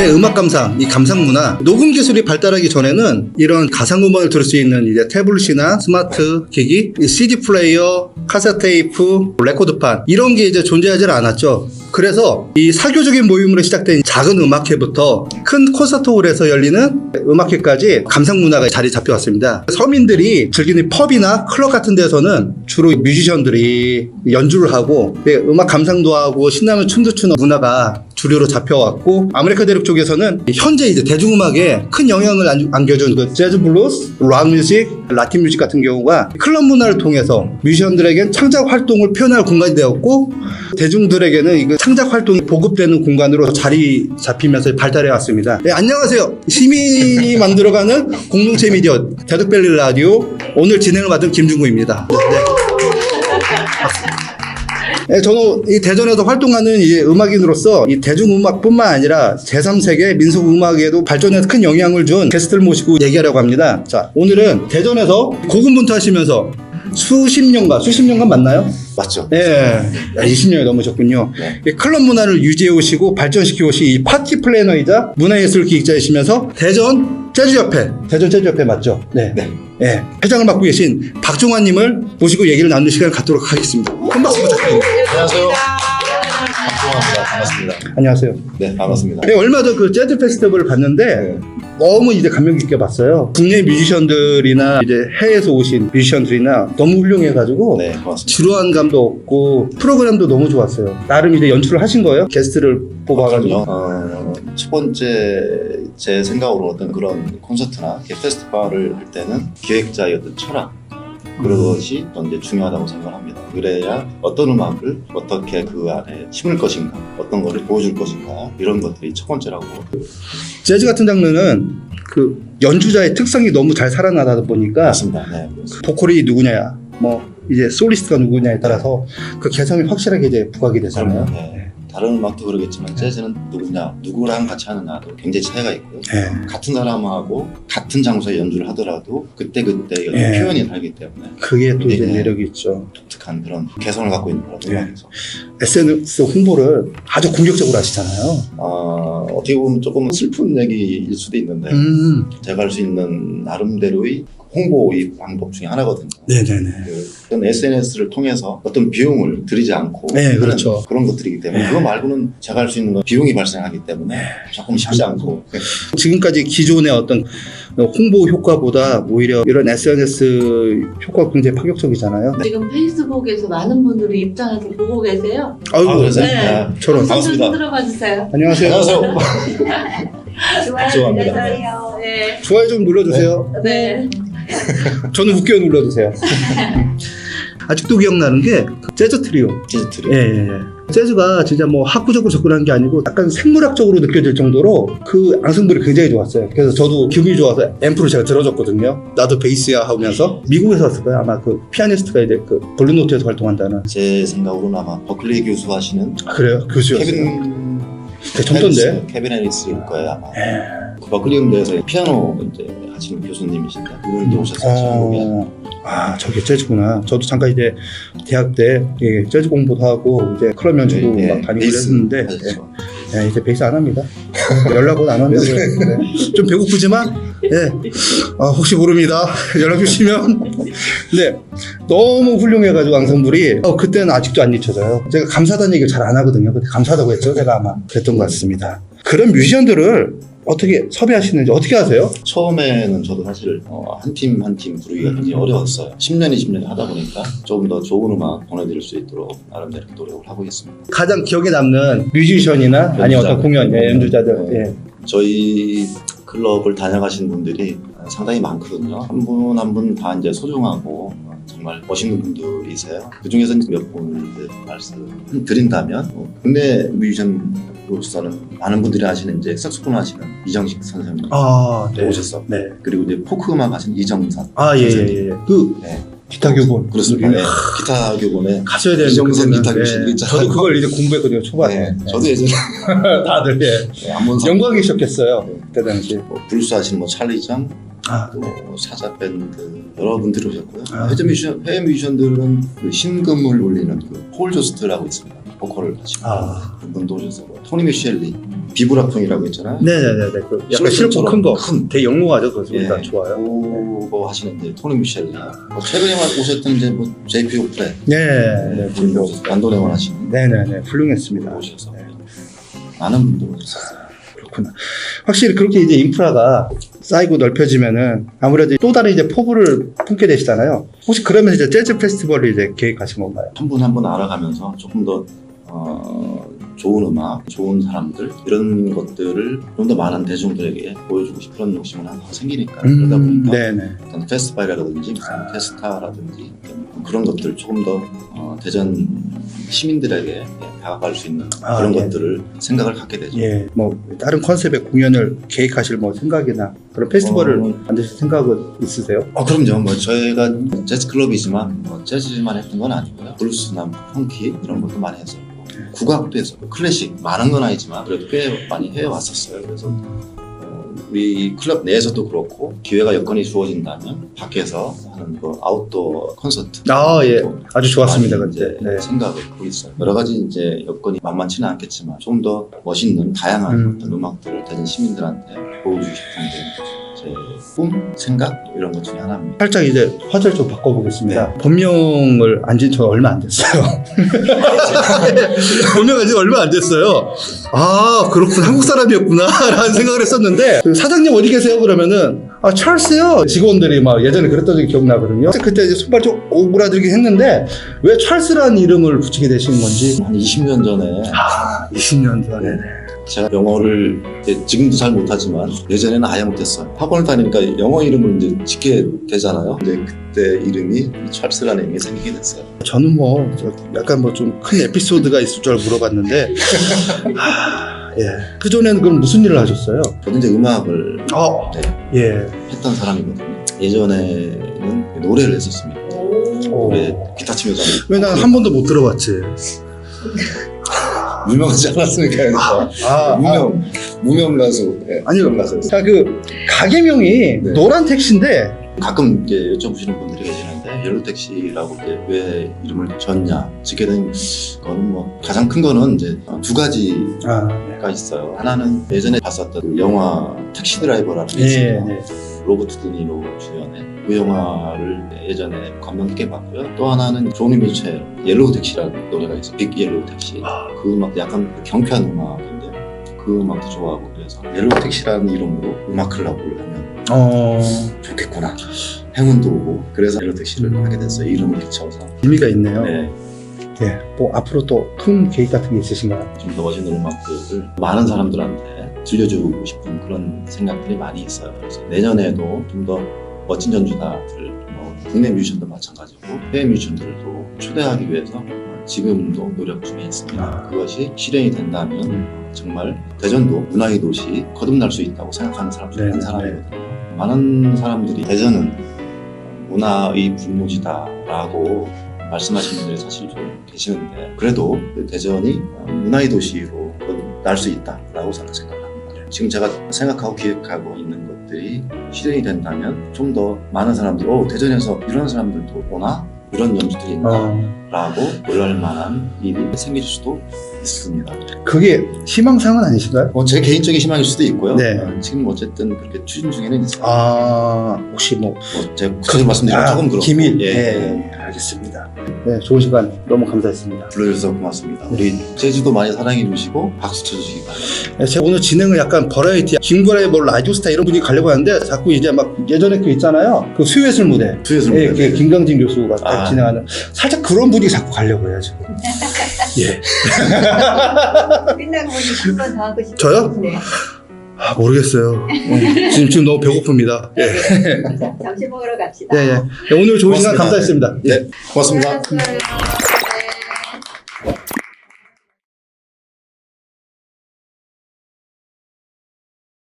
음악 감상, 이 감상 문화, 녹음 기술이 발달하기 전에는 이런 가상 음악을 들을 수 있는 이제 태블릿이나 스마트 기기, CD 플레이어, 카세트 테이프, 레코드판 이런 게 이제 존재하지 않았죠. 그래서 이 사교적인 모임으로 시작된 작은 음악회부터 큰 콘서트홀에서 열리는 음악회까지 감상 문화가 자리 잡혀왔습니다. 서민들이 즐기는 펍이나 클럽 같은 데서는 주로 뮤지션들이 연주를 하고 음악 감상도 하고 신나는 춤도 추는 문화가 주류로 잡혀왔고, 아메리카 대륙 쪽에서는 현재 이제 대중음악에 큰 영향을 안겨준 그 재즈 블루스, 락 뮤직, 라틴 뮤직 같은 경우가 클럽 문화를 통해서 뮤지션들에겐 창작 활동을 표현할 공간이 되었고, 대중들에게는 이 창작 활동이 보급되는 공간으로 자리 잡히면서 발달해 왔습니다. 네, 안녕하세요. 시민이 만들어가는 공동체 미디어 대덕밸리 라디오 오늘 진행을 맡은 김중구입니다. 네. 네, 저는 이 대전에서 활동하는 이제 음악인으로서 이 대중음악뿐만 아니라 제3세계 민속음악에도 발전에 큰 영향을 준 게스트를 모시고 얘기하려고 합니다. 자, 오늘은 대전에서 고군분투하시면서 수십 년간 맞나요? 맞죠. 네, 20년이 넘으셨군요. 네. 클럽 문화를 유지해 오시고 발전시켜 오신 이 파티 플래너이자 문화예술 기획자이시면서 대전 재즈협회 맞죠? 네. 회장을 맡고 계신 박종환님을 모시고 얘기를 나누는 시간을 갖도록 하겠습니다. 큰 박수 부탁드립니다. 안녕하세요. 박종환입니다. 반갑습니다. 안녕하세요. 네, 반갑습니다. 네, 얼마 전 그 재즈 페스티벌을 봤는데 너무 이제 감명 깊게 봤어요. 국내 뮤지션들이나 이제 해외에서 오신 뮤지션들이나 너무 훌륭해가지고 네, 고맙습니다. 지루한 감도 없고 프로그램도 너무 좋았어요. 나름 이제 연출을 하신 거예요? 게스트를 뽑아가지고. 첫 번째 제 생각으로 어떤 그런 콘서트나 페스티벌을 할 때는 기획자의 어떤 철학 그것이 또 이제 중요하다고 생각합니다. 그래야 어떤 음악을 어떻게 그 안에 심을 것인가, 어떤 것을 보여줄 것인가 이런 것들이 첫 번째라고. 재즈 같은 장르는 그 연주자의 특성이 너무 잘 살아나다 보니까 맞습니다. 네, 보컬이 누구냐, 뭐 이제 솔리스트가 누구냐에 따라서 그 개성이 확실하게 이제 부각이 되잖아요. 네. 다른 음악도 그러겠지만 재즈는 누구랑 같이 하느냐도 굉장히 차이가 있고요. 네. 같은 사람하고 같은 장소에 연주를 하더라도 그때 네. 표현이 다르기 때문에 그게 또 이제 네. 매력이 있죠. 독특한 그런 개성을 갖고 있는 그런 네. 음악에서 SNS 홍보를 아주 공격적으로 하시잖아요. 어떻게 보면 조금 슬픈 얘기일 수도 있는데 제가 할 수 있는 나름대로의 홍보의 방법 중에 하나거든요. 네네네. 어떤 SNS를 통해서 어떤 비용을 들이지 않고 네, 그렇죠. 그런 것들이기 때문에 네. 그거 말고는 제가 할 수 있는 건 비용이 발생하기 때문에 조금 쉽지 않고 지금까지 기존의 어떤 홍보 효과보다 오히려 이런 SNS 효과가 굉장히 파격적이잖아요. 지금 페이스북에서 많은 분들이 입장해서 보고 계세요. 아이고, 그러세요? 네. 저런. 반갑습니다. 들어봐 주세요. 안녕하세요. 안녕하세요. 좋아요 죄송합니다. 눌러주세요. 네. 좋아요 좀 눌러주세요. 네. 저는 웃겨 눌러주세요. 아직도 기억나는 게 재즈 트리오. 재즈 트리오. 예. 재즈가 진짜 뭐 학구적으로 접근한 게 아니고 약간 생물학적으로 느껴질 정도로 그 앙상블이 굉장히 좋았어요. 그래서 저도 기분이 좋아서 앰프를 제가 들어줬거든요. 나도 베이스야 하면서. 미국에서 왔을 거예요. 아마 그 피아니스트가 이제 그 블루노트에서 활동한다는. 제 생각으로는 아마 버클리 교수 하시는 아, 그래요? 교수였어요. 되게 젊던데? 케빈 해리스일 거예요 아마. 그 버클리 음대에서 피아노 이제 하시는 교수님이신데 그분이 오셨었죠. 한국에. 저게 재즈구나. 저도 잠깐 이제 대학 때 재즈 공부도 하고 이제 클럽 연주도 막 다니고 그랬는데 이제 베이스 안 합니다. 연락은 안 한다고 했는데 좀 배고프지만 혹시 모릅니다. 연락 주시면. 네, 너무 훌륭해가지고 앙상블이 그때는 아직도 안 잊혀져요. 제가 감사하다는 얘기를 잘 안 하거든요. 근데 감사하다고 했죠. 제가 아마 그랬던 것 같습니다. 그런 뮤지션들을 어떻게 섭외하시는지 어떻게 하세요? 처음에는 저도 사실 한 팀 한 팀 부르기가 굉장히 어려웠어요. 10년, 20년 하다 보니까 조금 더 좋은 음악 보내드릴 수 있도록 나름대로 노력을 하고 있습니다. 가장 기억에 남는 뮤지션이나 아니면 어떤 공연, 연주자들. 저희 클럽을 다녀가신 분들이 상당히 많거든요. 한 분 한 분 다 이제 소중하고 정말 멋있는 분들이세요. 그 중에서 몇 분을 말씀드린다면 국내 뮤지션으로서는 많은 분들이 아시는 이제 색소폰 하시는 이정식 선생님 오셨어. 네. 그리고 이제 포크 음악 하시는 이정산. 예. 그 기타 교본. 그렇습니다. 네. 기타 교본에 가셔야 되는 이정선 기타 교실 있잖아요. 저도 그걸 이제 공부했거든요. 초반에. 저도 예전에 다들 한번 영광이셨겠어요. 그때 당시. 블루스 하시는 찰리정, 또 사자 밴드 여러분들이 오셨고요. 해외 뮤지션들은 그 신금을 울리는 그 폴 조스트라고 있습니다. 보컬을 하시고 그분도 오셨어요. 토니 미셸리 비브라풍이라고 있잖아요. 네네네네. 그 약간 실코 큰 거. 되게 영롱하죠. 그 소리가 예. 좋아요. 그거 하시는데 토니 미셸리. 최근에 오셨던 이제 뭐 JP 오프레. 네. 안도레원 하시는. 네네네. 훌륭했습니다. 오셔서 네. 많은 분들 오셨었어요. 그렇구나. 확실히 그렇게 이제 인프라가 쌓이고 넓혀지면은 아무래도 또 다른 이제 포부를 품게 되시잖아요. 혹시 그러면 이제 재즈 페스티벌을 이제 계획하신 건가요? 한 분 한 분 알아가면서 조금 더 좋은 음악, 좋은 사람들 이런 것들을 좀 더 많은 대중들에게 보여주고 싶은 그런 욕심은 항상 생기니까 그러다 보니까 네네. 어떤 페스티벌이라든지 무슨 테스타라든지 그런 것들을 조금 더 대전 시민들에게 다가갈 수 있는 그런 예. 것들을 생각을 갖게 되죠. 예, 뭐 다른 컨셉의 공연을 계획하실 뭐 생각이나 그런 페스티벌을 만드실 생각은 있으세요? 그럼요. 뭐 저희가 재즈 클럽이지만 뭐 재즈만 했던 건 아니고요. 블루스나 펑키 이런 것도 많이 했었고 국악도 했었고 클래식 많은 건 아니지만 그래도 꽤 많이 해왔었어요. 그래서 우리 클럽 내에서도 그렇고 기회가 여건이 주어진다면 밖에서 하는 그 아웃도어 콘서트 예, 아주 좋았습니다 많이 그때. 이제 네. 생각을 하고 있어요. 여러 가지 이제 여건이 만만치는 않겠지만 좀 더 멋있는 다양한 어떤 음악들을 대전 시민들한테 보여주고 싶은 게 제 꿈, 생각 이런 것 중에 하나입니다. 살짝 이제 화제를 좀 바꿔보겠습니다. 본명을 안진 지 얼마 안 됐어요. 본명 안진 지 얼마 안 됐어요. 아 그렇구나, 한국 사람이었구나 라는 생각을 했었는데 그 사장님 어디 계세요? 그러면은 찰스요. 직원들이 막 예전에 그랬던 적이 기억나거든요. 그때 이제 손발 좀 오그라들긴 했는데 왜 찰스라는 이름을 붙이게 되신 건지. 한 20년 전에 20년 전에. 제가 영어를 이제 지금도 잘 못하지만 예전에는 아예 못했어요. 학원을 다니니까 영어 이름을 이제 짓게 되잖아요. 근데 그때 이름이 찰스라는 이름이 생기게 됐어요. 저는 뭐 약간 뭐 좀 큰 에피소드가 있을 줄 물어봤는데 예. 그 전에는 그럼 무슨 일을 하셨어요? 저도 이제 음악을 예. 했던 사람이거든요. 예전에는 노래를 했었습니다. 노래 기타 치면서 왜 난 한 번도 못 들어봤지? 유명하지 않았으니까 그래서 무명 가수. 아니요. 무명 가수. 그 가게명이 네. 노란 택시인데 가끔 이제 여쭤보시는 분들이 계시는데 옐로우 택시라고 이제 왜 이름을 졌냐 짓게 된 거는 뭐 가장 큰 거는 이제 두 가지가 있어요. 하나는 예전에 봤었던 그 영화 택시 드라이버라는 게 있어요. 로버트 드니로 주연의 그 영화를 예전에 감명 깊게 봤고요. 또 하나는 조니 미첼 옐로우 택시라는 노래가 있어요. 빅 옐로우 택시. 그 음악도 약간 경쾌한 음악인데 그 음악도 좋아하고 그래서 옐로우 택시라는 이름으로 음악 클럽을 하면 좋겠구나. 행운도 오고 그래서 옐로우 택시를 하게 됐어요. 이름을 붙여서. 의미가 있네요. 네. 예. 뭐 앞으로 또 큰 계획 같은 게 있으신가요? 좀 더 멋있는 음악들을 많은 사람들한테 들려주고 싶은 그런 생각들이 많이 있어요. 그래서 내년에도 좀 더 멋진 전주자들, 뭐 국내 뮤지션도 마찬가지고 해외 뮤지션들도 초대하기 위해서 지금도 노력 중에 있습니다. 그것이 실현이 된다면 정말 대전도 문화의 도시 거듭날 수 있다고 생각하는 사람 중에 한 사람이거든요. 많은 사람들이 대전은 문화의 불모지다라고 말씀하시는 분들이 사실 좀 계시는데 그래도 대전이 문화의 도시로 날 수 있다라고 생각합니다. 지금 제가 생각하고 기획하고 있는 것들이 실현이 된다면 좀 더 많은 사람들이 대전에서 이런 사람들도 오나? 이런 연주들이 있나? 라고 놀랄 만한 일이 생길 수도 있습니다. 그게 희망사항은 아니신가요? 제 개인적인 희망일 수도 있고요. 네. 지금 어쨌든 그렇게 추진 중에는 있어요. 혹시 뭐 제가 그걸 말씀드리면 조금 그렇고. 기밀. 예. 알겠습니다. 네, 좋은 시간 너무 감사했습니다. 불러주셔서 고맙습니다. 우리 제주도 많이 사랑해 주시고 박수 쳐주시기 바랍니다. 네, 제가 오늘 진행을 약간 버라이티, 징벌의 뭐 라디오스타 이런 분위기 가려고 하는데 자꾸 이제 막 예전에 그 있잖아요. 그 수요예술 무대. 수요예술 무대. 그 김강진 교수가 진행하는 살짝 그런 분위기 자꾸 가려고 해요 지금. 예. 끝나고 한 번 더 하고 싶어요. 저요? 네. 모르겠어요. 지금 너무 배고픕니다. 예. 점심 먹으러 갑시다. 네, 오늘 좋은 시간 감사했습니다. 네, 고맙습니다. 수고하셨어요.